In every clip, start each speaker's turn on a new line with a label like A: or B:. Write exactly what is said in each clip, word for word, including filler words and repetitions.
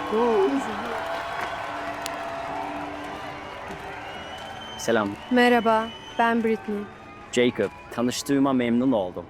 A: Selam.
B: Merhaba, ben Britney.
A: Jacob. Tanıştığıma memnun oldum.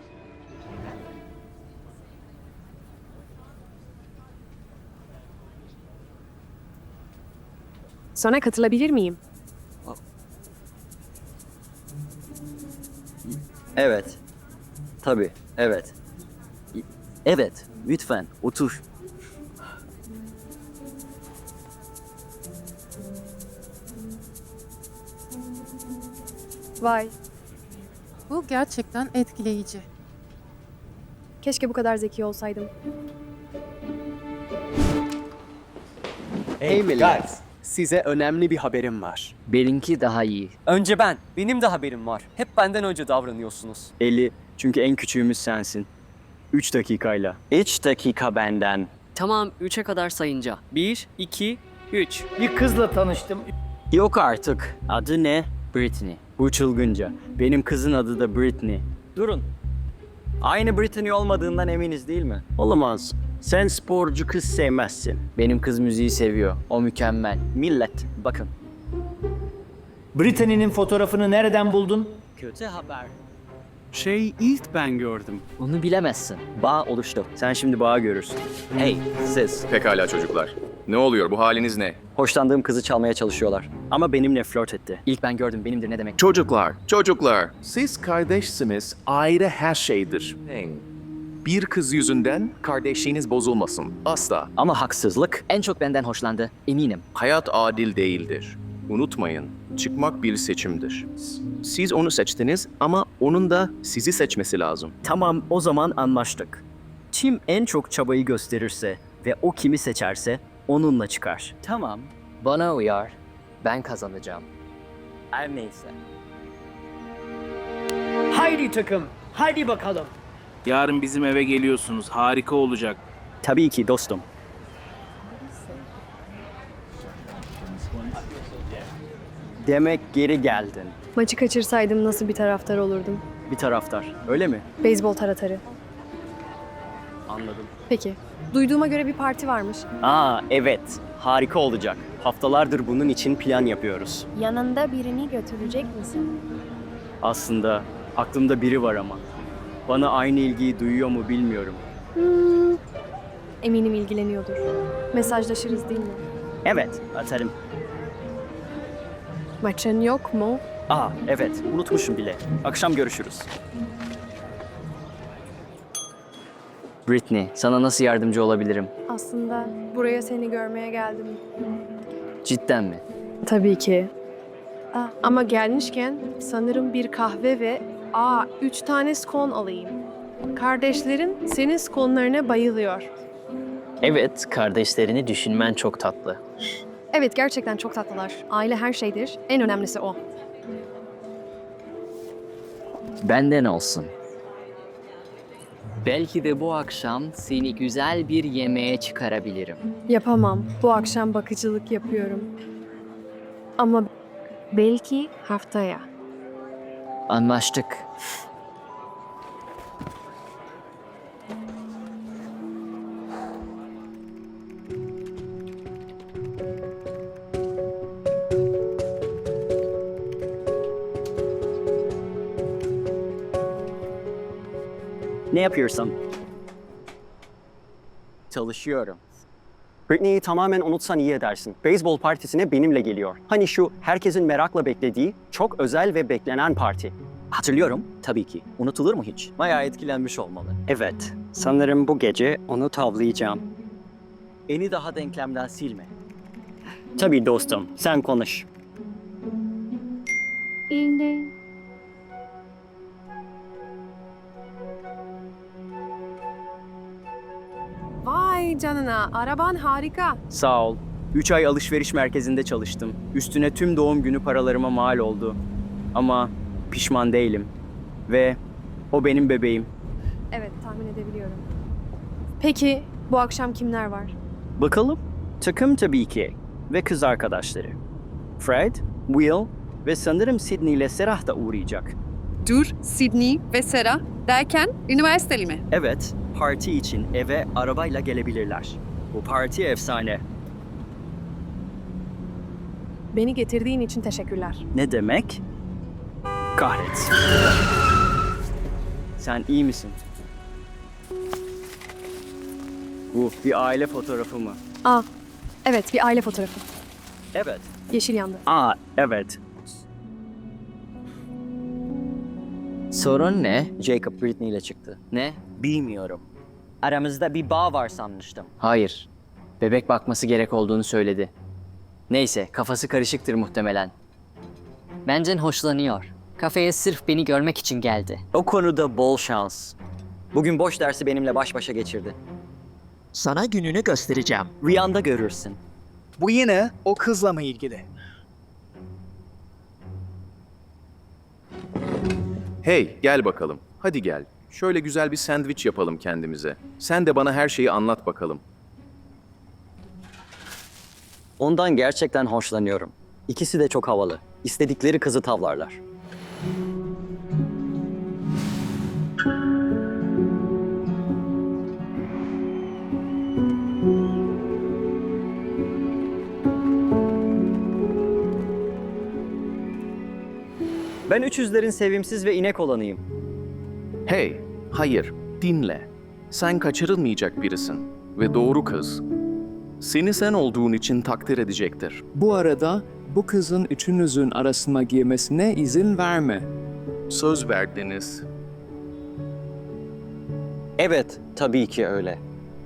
B: Sonra katılabilir miyim?
A: Evet. Tabii, evet. Evet, lütfen otur.
B: Vay,
C: Bu gerçekten etkileyici.
B: keşke bu kadar zeki olsaydım.
D: Hey millet, size önemli bir haberim var.
A: Benimki daha iyi.
E: Önce ben. Benim de haberim var. Hep benden önce davranıyorsunuz.
A: elli. Çünkü en küçüğümüz sensin. Üç dakikayla. Üç dakika benden.
F: Tamam, üçe kadar sayınca. Bir, iki, üç.
G: Bir kızla tanıştım.
A: Yok artık. Adı ne? Britney. Bu çılgınca. Benim kızın adı da Britney.
E: Durun.
A: Aynı Britney olmadığından eminiz değil mi? Olamaz. Sen sporcu kız sevmezsin. Benim kız müziği seviyor. O mükemmel. Millet, bakın.
G: Brittany'nin fotoğrafını nereden buldun?
A: Kötü haber.
D: Şey ilk ben gördüm.
F: Onu bilemezsin.
A: Bağ oluştu. Sen şimdi bağı görürsün. Hey, siz.
H: Pekala çocuklar. Ne oluyor? Bu haliniz ne?
A: Hoşlandığım kızı çalmaya çalışıyorlar. Ama benimle flört etti.
F: İlk ben gördüm, benimdir ne demek?
H: Çocuklar, çocuklar.
I: Siz kardeşsiniz, ayrı her şeydir.
H: Bir kız yüzünden kardeşliğiniz bozulmasın. Asla.
A: Ama haksızlık.
F: En çok benden hoşlandı, eminim.
H: Hayat adil değildir. Unutmayın, çıkmak bir seçimdir. Siz onu seçtiniz ama onun da sizi seçmesi lazım.
A: Tamam, o zaman anlaştık. Kim en çok çabayı gösterirse ve o kimi seçerse onunla çıkar. Tamam.
F: Bana uyar, ben kazanacağım.
A: Her neyse.
G: Haydi takım, haydi bakalım.
D: Yarın bizim eve geliyorsunuz. Harika olacak.
A: Tabii ki dostum. Demek geri geldin.
B: Maçı kaçırsaydım nasıl bir taraftar olurdum?
A: Bir taraftar. Öyle mi?
B: Beyzbol taraftarı.
A: Anladım.
B: Peki, duyduğuma göre bir parti varmış.
A: Aa evet. Harika olacak. Haftalardır bunun için plan yapıyoruz.
B: Yanında birini götürecek misin?
A: Aslında aklımda biri var ama. Bana aynı ilgiyi duyuyor mu bilmiyorum.
B: Hmm, eminim ilgileniyordur. Mesajlaşırız değil mi?
A: Evet, atarım.
B: Maçın yok mu?
A: Aa evet, unutmuşum bile. Akşam görüşürüz. Britney, sana nasıl yardımcı olabilirim?
B: Aslında buraya seni görmeye geldim.
A: Cidden mi?
B: Tabii ki. Aa, ama gelmişken sanırım bir kahve ve aa üç tane skon alayım. Kardeşlerin senin skonlarına bayılıyor.
F: Evet, kardeşlerini düşünmen çok tatlı.
B: Evet, gerçekten çok tatlılar. Aile her şeydir. En önemlisi o.
F: Benden olsun. Belki de bu akşam seni güzel bir yemeğe çıkarabilirim.
B: Yapamam. Bu akşam bakıcılık yapıyorum. Ama belki haftaya.
F: Anlaştık.
A: Ne yapıyorsun? Çalışıyorum. Britney'i tamamen unutsan iyi edersin. Beyzbol partisine benimle geliyor. Hani şu herkesin merakla beklediği, çok özel ve beklenen parti. Hatırlıyorum, tabii ki. Unutulur mu hiç?
E: Bayağı etkilenmiş olmalı.
A: Evet, sanırım bu gece onu tavlayacağım. Eni daha denklemden silme. Tabii dostum, sen konuş.
B: Vay canına, araban harika.
A: Sağ ol. Üç ay alışveriş merkezinde çalıştım. Üstüne tüm doğum günü paralarıma mal oldu. Ama pişman değilim. Ve o benim bebeğim.
B: Evet, tahmin edebiliyorum. Peki, bu akşam kimler var?
A: Bakalım. Takım tabii ki. Ve kız arkadaşları. Fred, Will ve sanırım Sydney ile Serah da uğrayacak.
J: Dur, Sydney ve Sera derken üniversiteli mi?
A: Evet, parti için eve arabayla gelebilirler. Bu parti efsane.
B: Beni getirdiğin için teşekkürler.
A: Ne demek? Kahretsin. Sen iyi misin? Bu bir aile fotoğrafı mı?
J: Aa, evet bir aile fotoğrafı.
A: Evet.
B: Yeşil yandı.
A: Aa, evet.
E: Sorun ne?
A: Jacob Britney ile çıktı.
E: Ne?
A: Bilmiyorum. Aramızda bir bağ var sanmıştım.
E: Hayır. Bebek bakması gerek olduğunu söyledi. Neyse, kafası karışıktır muhtemelen.
F: Benden hoşlanıyor. Kafeye sırf beni görmek için geldi.
A: O konuda bol şans. Bugün boş dersi benimle baş başa geçirdi.
K: Sana gününü göstereceğim.
A: Rüyanda görürsün.
D: Bu yine o kızla mı ilgili?
H: Hey, gel bakalım. Hadi gel. Şöyle güzel bir sandviç yapalım kendimize. Sen de bana her şeyi anlat bakalım.
A: Ondan gerçekten hoşlanıyorum. İkisi de çok havalı. İstedikleri kızı tavlarlar. Ben üç yüzlerin sevimsiz ve inek olanıyım.
H: Hey, hayır, dinle. Sen kaçırılmayacak birisin ve doğru kız. Seni sen olduğun için takdir edecektir.
D: Bu arada bu kızın üçünüzün arasına girmesine izin verme.
H: Söz verdiniz.
A: Evet, tabii ki öyle.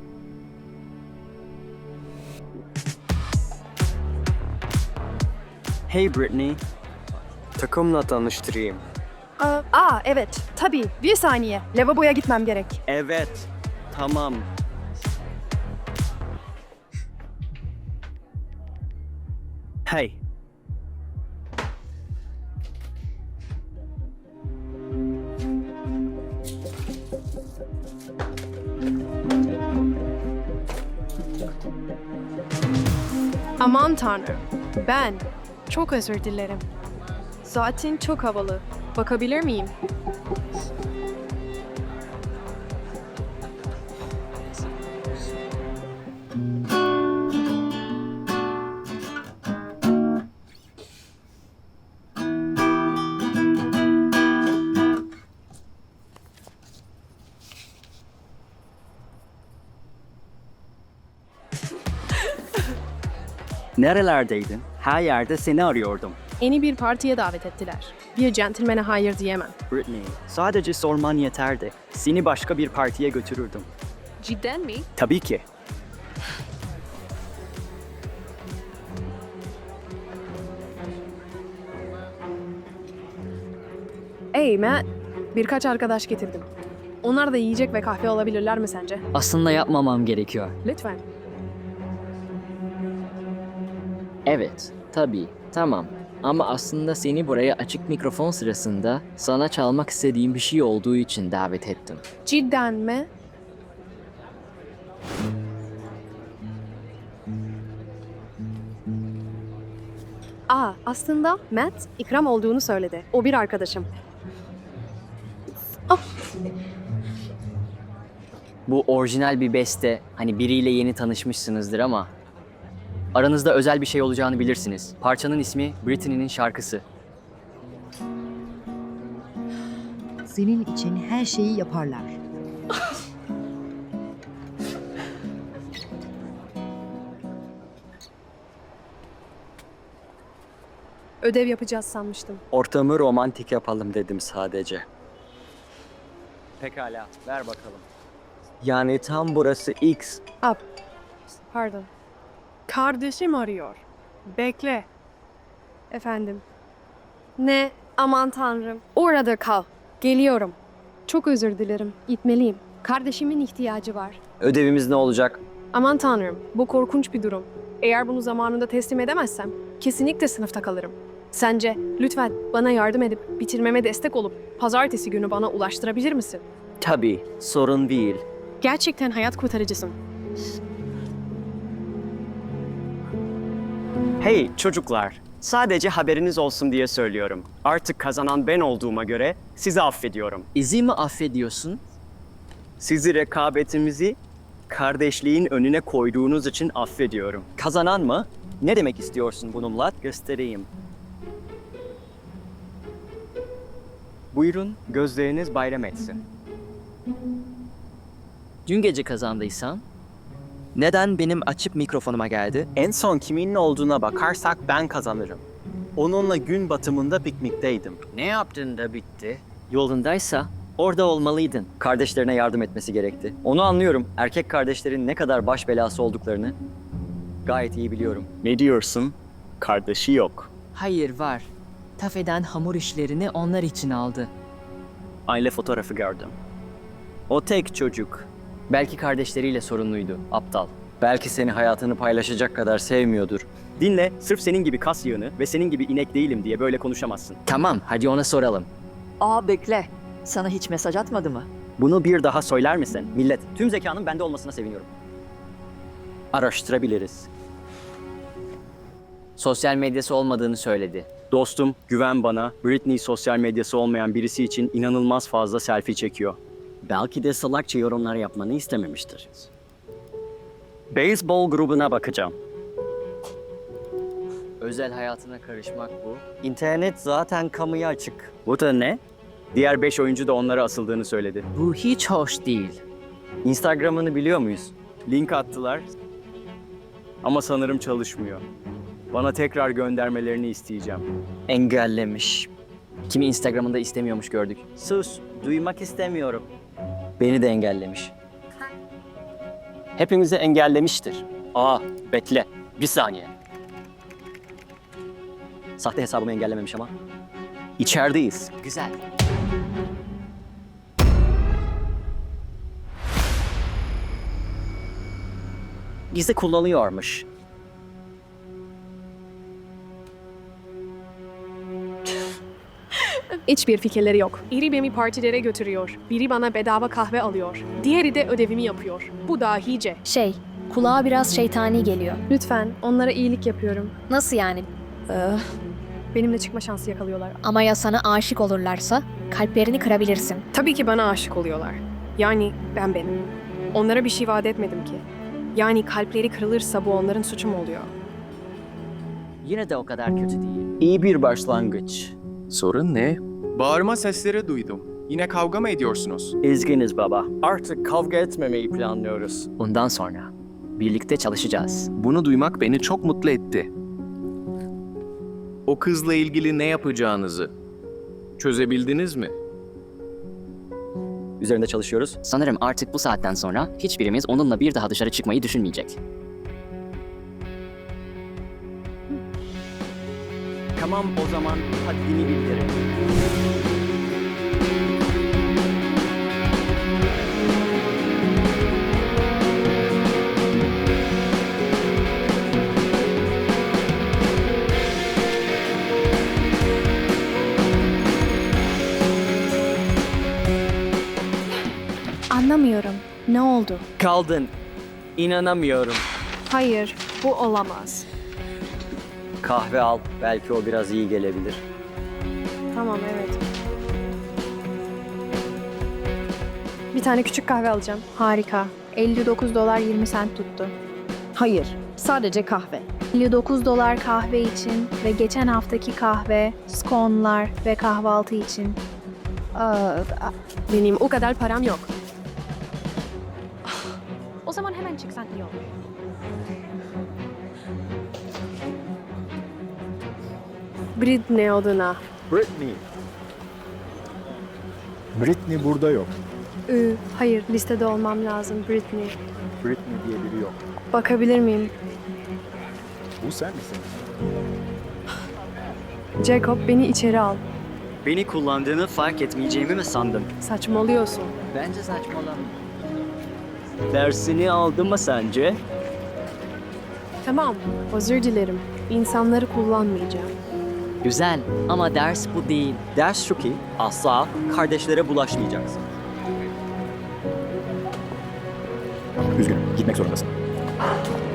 A: Hey Britney. Takımla tanıştırayım.
J: Aa, aa evet tabii bir saniye. Lavaboya gitmem gerek.
A: Evet, tamam. Hey.
B: Aman tanrım. Ben. Çok özür dilerim. Zaten çok havalı. Bakabilir miyim?
A: Nerelerdeydin? Her yerde seni arıyordum.
B: Yeni bir partiye davet ettiler. Bir centilmene hayır diyemem.
A: Britney, sadece sorman yeterdi. Seni başka bir partiye götürürdüm.
B: Cidden mi?
A: Tabii ki.
B: Hey Matt, birkaç arkadaş getirdim. Onlar da yiyecek ve kahve alabilirler mi sence?
F: Aslında yapmamam gerekiyor.
B: Lütfen.
F: Evet, tabii, tamam. Ama aslında seni buraya açık mikrofon sırasında sana çalmak istediğim bir şey olduğu için davet ettim.
B: Cidden mi? Aa, aslında Matt ikram olduğunu söyledi. O bir arkadaşım.
E: Bu orijinal bir beste. Hani biriyle yeni tanışmışsınızdır ama aranızda özel bir şey olacağını bilirsiniz. Parçanın ismi Britney'nin şarkısı.
K: Senin için her şeyi yaparlar.
B: Ödev yapacağız sanmıştım.
A: Ortamı romantik yapalım dedim sadece. Pekala, ver bakalım. Yani tam burası X.
B: Up. Pardon. Kardeşim arıyor. Bekle. Efendim. Ne? Aman tanrım. Orada kal. Geliyorum. Çok özür dilerim. Gitmeliyim. Kardeşimin ihtiyacı var.
A: Ödevimiz ne olacak?
B: Aman tanrım. Bu korkunç bir durum. Eğer bunu zamanında teslim edemezsem kesinlikle sınıfta kalırım. Sence lütfen bana yardım edip bitirmeme destek olup pazartesi günü bana ulaştırabilir misin?
A: Tabii, sorun değil.
B: Gerçekten hayat kurtarıcısın.
A: Hey çocuklar, sadece haberiniz olsun diye söylüyorum. Artık kazanan ben olduğuma göre sizi affediyorum.
E: İzi mi affediyorsun?
A: Sizi rekabetimizi kardeşliğin önüne koyduğunuz için affediyorum. Kazanan mı? Ne demek istiyorsun bununla? Göstereyim. Buyurun, gözleriniz bayram etsin.
E: Dün gece kazandıysan,
A: Neden benim açıp mikrofonuma geldi? En son kimin olduğuna bakarsak ben kazanırım. Onunla gün batımında piknikteydim.
E: ne yaptın da bitti? Yolundaysa orada olmalıydın.
A: Kardeşlerine yardım etmesi gerekti. Onu anlıyorum. Erkek kardeşlerin ne kadar baş belası olduklarını gayet iyi biliyorum. Ne diyorsun? Kardeşi yok.
F: Hayır var. Tafeden hamur işlerini onlar için aldı.
A: Aile fotoğrafı gördüm. O tek çocuk.
E: Belki kardeşleriyle sorunluydu, aptal.
A: Belki seni hayatını paylaşacak kadar sevmiyordur. Dinle, sırf senin gibi kas yığını ve senin gibi inek değilim diye böyle konuşamazsın.
E: Tamam, hadi ona soralım.
K: Aa bekle. Sana hiç mesaj atmadı mı?
A: Bunu bir daha söyler misin? Millet, tüm zekanın bende olmasına seviniyorum. Araştırabiliriz.
E: Sosyal medyası olmadığını söyledi.
A: Dostum, güven bana. Britney sosyal medyası olmayan birisi için inanılmaz fazla selfie çekiyor. Belki de salakça yorumlar yapmanı istememiştir. Beyzbol grubuna bakacağım.
E: Özel hayatına karışmak bu.
A: İnternet zaten kamuya açık. Bu da ne? Diğer beş oyuncu da onlara asıldığını söyledi.
F: Bu hiç hoş değil.
A: Instagram'ını biliyor muyuz? Link attılar. Ama sanırım çalışmıyor. Bana tekrar göndermelerini isteyeceğim. Engellemiş.
E: Kimi Instagram'ında istemiyormuş gördük.
A: Sus, duymak istemiyorum. Beni de engellemiş. Hepimizi engellemiştir. Aa, bekle. Bir saniye. Sahte hesabımı engellememiş ama. İçerideyiz.
E: Güzel.
A: Bizi kullanıyormuş.
B: Hiçbir fikirleri yok. Biri beni partilere götürüyor. Biri bana bedava kahve alıyor. Diğeri de ödevimi yapıyor. Bu dahice.
J: Şey, kulağa biraz şeytani geliyor.
B: Lütfen, onlara iyilik yapıyorum.
J: Nasıl yani?
B: Benimle çıkma şansı yakalıyorlar.
J: Ama ya sana aşık olurlarsa kalplerini kırabilirsin.
B: Tabii ki bana aşık oluyorlar. Yani ben benim. Onlara bir şey vaat etmedim ki. Yani kalpleri kırılırsa bu onların suçu mu oluyor?
E: Yine de o kadar kötü değil.
A: İyi bir başlangıç.
I: Sorun ne? Bağırma sesleri duydum. Yine kavga mı ediyorsunuz?
A: İzginiz baba. Artık kavga etmemeyi planlıyoruz.
E: Bundan sonra birlikte çalışacağız.
H: Bunu duymak beni çok mutlu etti. O kızla ilgili ne yapacağınızı çözebildiniz mi?
A: Üzerinde çalışıyoruz.
E: Sanırım artık bu saatten sonra hiçbirimiz onunla bir daha dışarı çıkmayı düşünmeyecek.
A: Tamam o zaman haddini bildirin.
J: Anlamıyorum. Ne oldu?
A: Kaldın. İnanamıyorum.
B: Hayır, bu olamaz.
A: Kahve al. Belki o biraz iyi gelebilir.
B: Tamam, evet. Bir tane küçük kahve alacağım.
J: Harika. elli dokuz dolar yirmi sent tuttu.
K: Hayır. Sadece kahve.
J: elli dokuz dolar kahve için ve geçen haftaki kahve, skonlar ve kahvaltı için.
K: Aa,
B: Benim o kadar param yok.
J: O zaman hemen çıksan iyi olur.
B: Britney adına.
L: Britney. Britney burada yok.
B: Ü, hayır, listede olmam lazım Britney.
L: Britney diye biri yok.
B: Bakabilir miyim?
L: Bu sen misin?
B: Jacob, beni içeri al.
A: Beni kullandığını fark etmeyeceğimi mi sandın?
B: Saçmalıyorsun.
E: Bence saçmalama.
A: Dersini aldı mı sence?
B: Tamam, özür dilerim. İnsanları kullanmayacağım.
E: Güzel ama ders bu değil.
A: Ders şu ki asla kardeşlere bulaşmayacaksın.
L: Üzgünüm. Gitmek zorundasın.